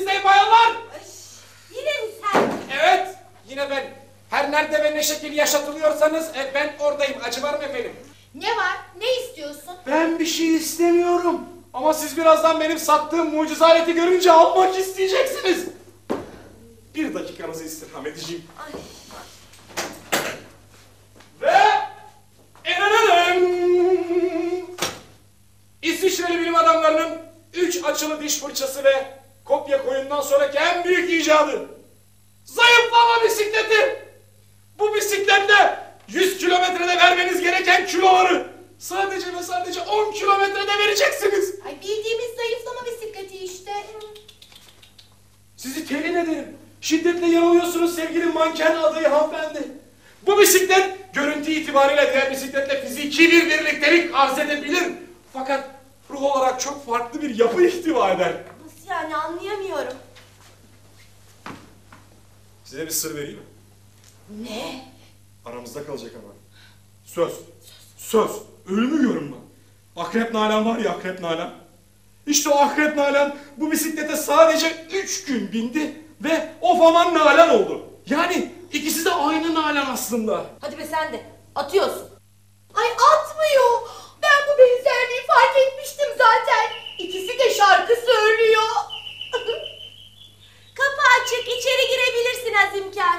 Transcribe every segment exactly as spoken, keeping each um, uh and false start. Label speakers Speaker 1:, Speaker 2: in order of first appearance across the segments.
Speaker 1: temizleyin bayanlar.
Speaker 2: Ay, yine mi sen?
Speaker 1: Evet, yine ben. Her nerede ve ne şekil yaşatılıyorsanız e, ben oradayım. Acı var mı efendim?
Speaker 2: Ne var? Ne istiyorsun?
Speaker 1: Ben bir şey istemiyorum. Ama siz birazdan benim sattığım mucize aleti görünce almak isteyeceksiniz. Bir dakikanızı istirham edeceğim.
Speaker 2: Ay.
Speaker 1: Ve... İsviçreli bilim adamlarının üç açılı diş fırçası ve kopya koyundan sonraki en büyük icadı. Zayıflama bisikleti. Bu bisikletle yüz kilometrede vermeniz gereken kiloları sadece ve sadece on kilometrede vereceksiniz.
Speaker 2: Ay bildiğimiz zayıflama bisikleti işte.
Speaker 1: Sizi telin ederim. Şiddetle yanılıyorsunuz sevgili manken adayı hanımefendi. Bu bisiklet görüntü itibariyle diğer bisikletle fiziki bir birliktelik arz edebilir. Fakat ruh olarak çok farklı bir yapı ihtiva eder.
Speaker 2: Nasıl yani, anlayamıyorum.
Speaker 1: Size bir sır vereyim mi?
Speaker 2: Ne?
Speaker 1: Aramızda kalacak ama. Söz. Söz. Ölmüyorum ben. Akrep Nalan var ya, Akrep Nalan. İşte o Akrep Nalan bu bisiklete sadece üç gün bindi ve of aman Nalan oldu. Yani ikisi de aynı Nalan aslında.
Speaker 2: Hadi be sen de. Atıyorsun. Ay atmıyor. Ben bu benzerliği fark etmiştim zaten. İkisi de şarkı söylüyor. Kapı açık, içeri girebilirsin Azimkar.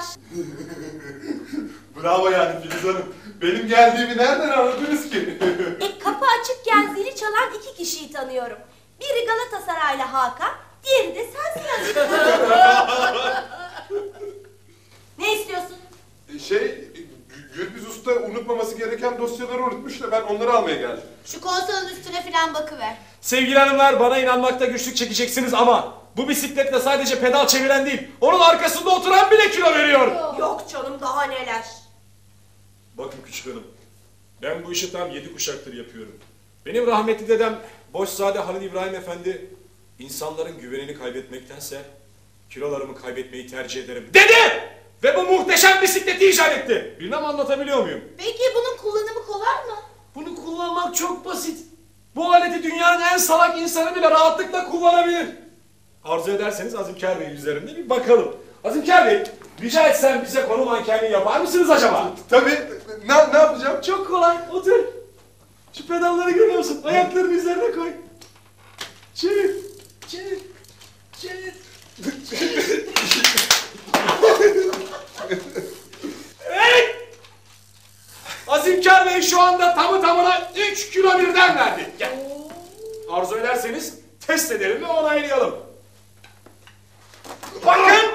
Speaker 3: Bravo yani Filiz Hanım. Benim geldiğimi nereden anladınız ki?
Speaker 2: E, kapı açıkken zili çalan iki kişiyi tanıyorum. Biri Galatasaraylı Hakan, diğeri de sensin Azimkar. Ne istiyorsun?
Speaker 3: Şey, Gürbüz Usta unutmaması gereken dosyaları unutmuş da ben onları almaya geldim.
Speaker 2: Şu konsolun üstüne falan bakıver.
Speaker 1: Sevgili hanımlar, bana inanmakta güçlük çekeceksiniz ama bu bisikletle sadece pedal çeviren değil, onun arkasında oturan bile kilo veriyor.
Speaker 2: Yok canım, daha neler.
Speaker 1: Bakın küçük hanım, ben bu işi tam yedi kuşaktır yapıyorum. Benim rahmetli dedem Boşzade Halil İbrahim Efendi, insanların güvenini kaybetmektense kilolarımı kaybetmeyi tercih ederim dedi! Ve bu muhteşem bisikleti icat etti. Bilmem anlatabiliyor muyum?
Speaker 2: Peki bunun kullanımı kolay mı?
Speaker 1: Bunu kullanmak çok basit. Bu aleti dünyanın en salak insanı bile rahatlıkla kullanabilir. Arzu ederseniz Azimkar Bey'in üzerinde bir bakalım. Azimkar Bey, rica etsem bize konu mankenliği yapar mısınız acaba?
Speaker 3: Tabii. Ne, ne yapacağım?
Speaker 1: Çok kolay, otur. Şu pedalları görüyor musun? Ayaklarını üzerine koy. Çevir, çevir, çevir. Evet! Azimkar Bey şu anda tamı tamına üç kilo birden verdi. Gel. Arzu ederseniz test edelim ve onaylayalım. Bakın!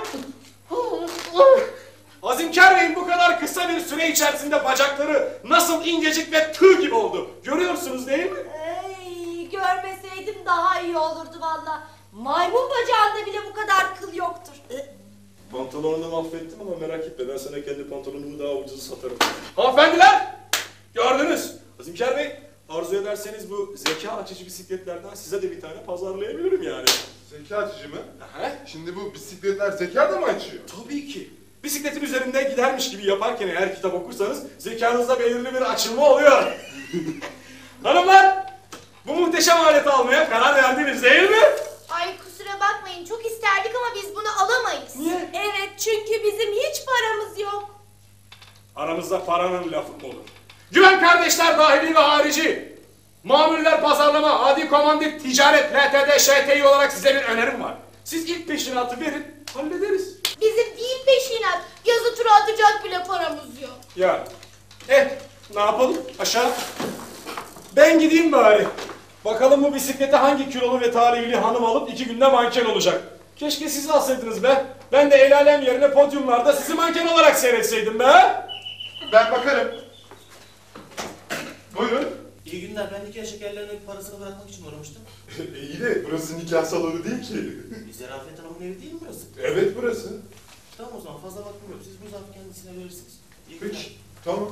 Speaker 1: Azimkar Bey'in bu kadar kısa bir süre içerisinde bacakları nasıl incecik ve tığ gibi oldu. Görüyorsunuz değil mi?
Speaker 2: Ey, görmeseydim daha iyi olurdu valla. Maymun bacağında bile bu kadar kıl yoktur.
Speaker 1: Pantolonunu mahvettim ama merak etme, ben sana kendi pantolonumu daha ucuz satarım. Hanımefendiler! Gördünüz. Azimkar Bey, arzu ederseniz bu zeka açıcı bisikletlerden size de bir tane pazarlayabilirim yani.
Speaker 3: Zeka açıcı mı?
Speaker 1: Aha.
Speaker 3: Şimdi bu bisikletler zeka da mı açıyor?
Speaker 1: Tabii ki. Bisikletin üzerinde gidermiş gibi yaparken eğer kitap okursanız zekanızda belirli bir açılma oluyor. Hanımlar, bu muhteşem aleti almaya karar verdiniz değil mi?
Speaker 2: Ay kusura bakmayın, çok isterdik ama biz bunu alamayız.
Speaker 1: Niye?
Speaker 2: Evet, çünkü bizim hiç paramız yok.
Speaker 1: Aramızda paranın lafı mı olur? Güven kardeşler dahili ve harici. Mamuller pazarlama, adi komandit, ticaret, L T D, Ş T İ olarak size bir önerim var. Siz ilk peşinatı verin, hallederiz.
Speaker 2: Bizim değil peşinat, yazı tura atacak bile paramız yok.
Speaker 1: Ya, eh, ne yapalım? Aşağı. Ben gideyim bari. Bakalım bu bisiklete hangi kilolu ve talihli hanım alıp iki günde manken olacak. Keşke siz alsaydınız be. Ben de el alem yerine podyumlarda sizi manken olarak seyretseydim be.
Speaker 3: Ben bakarım. Buyurun.
Speaker 4: İyi günler. Ben nikah şekerlerinin parasını bırakmak için uğramıştım.
Speaker 3: e, iyi de burası nikah salonu değil ki.
Speaker 4: E, Zerafet Hanım'ın evi değil mi burası?
Speaker 3: Evet burası.
Speaker 4: Tamam o zaman fazla vaktim yok. Siz bu zarfı kendisine verirsiniz. İyi günler.
Speaker 3: Peki. Tamam.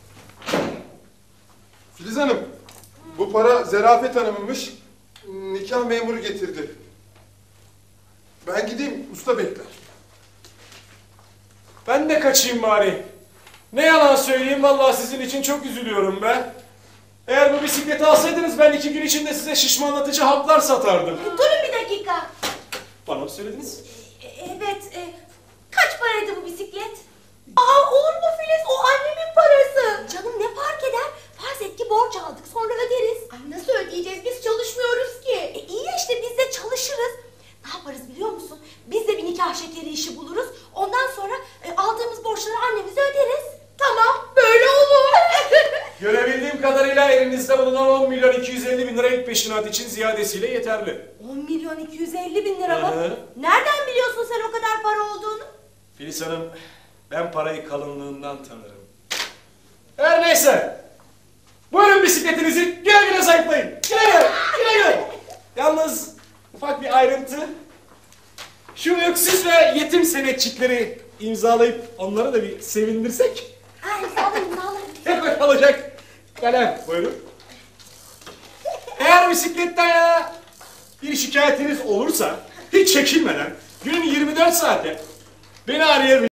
Speaker 3: Filiz Hanım. Bu para Zerafet Hanım'ınmış. Nikah memuru getirdi. Ben gideyim. Usta bekler.
Speaker 1: Ben de kaçayım bari. Ne yalan söyleyeyim, vallahi sizin için çok üzülüyorum be. Eğer bu bisikleti alsaydınız ben iki gün içinde size şişmanlatıcı haplar satardım.
Speaker 2: Durun bir dakika.
Speaker 1: Bana Yalan söylediniz.
Speaker 2: E, Evet. e, kaç paraydı bu bisiklet? Aa olur mu Filiz? O annemin parası. Canım ne fark eder? Farz et ki borç aldık sonra öderiz.
Speaker 5: Ay nasıl ödeyeceğiz? Biz çalışmıyoruz ki.
Speaker 2: E, iyi ya işte biz de çalışırız. Ne yaparız biliyor musun? Biz de bir nikah şekeri işi buluruz. Ondan sonra e, aldığımız borçları annemize öderiz.
Speaker 5: Tamam, böyle olur.
Speaker 1: Görebildiğim kadarıyla elinizde bulunan on milyon iki yüz elli bin lira ilk peşinat için ziyadesiyle yeterli.
Speaker 2: on milyon iki yüz elli bin lira mı?
Speaker 1: Hı hı.
Speaker 2: Nereden biliyorsun sen o kadar para olduğunu?
Speaker 1: Filiz Hanım, ben parayı kalınlığından tanırım. Her neyse. Buyurun bisikletinizi güle güle zayıflayın. Güle güle, güle güle. Yalnız ufak bir ayrıntı. Şu öksüz ve yetim senetçikleri imzalayıp onları da bir sevindirsek.
Speaker 2: Ay sağlayın sağlayın.
Speaker 1: Hep öyle olacak. Kalem. Buyurun. Eğer bisikletten ya bir şikayetiniz olursa hiç çekinmeden günün yirmi dört saate beni arayabilirsiniz.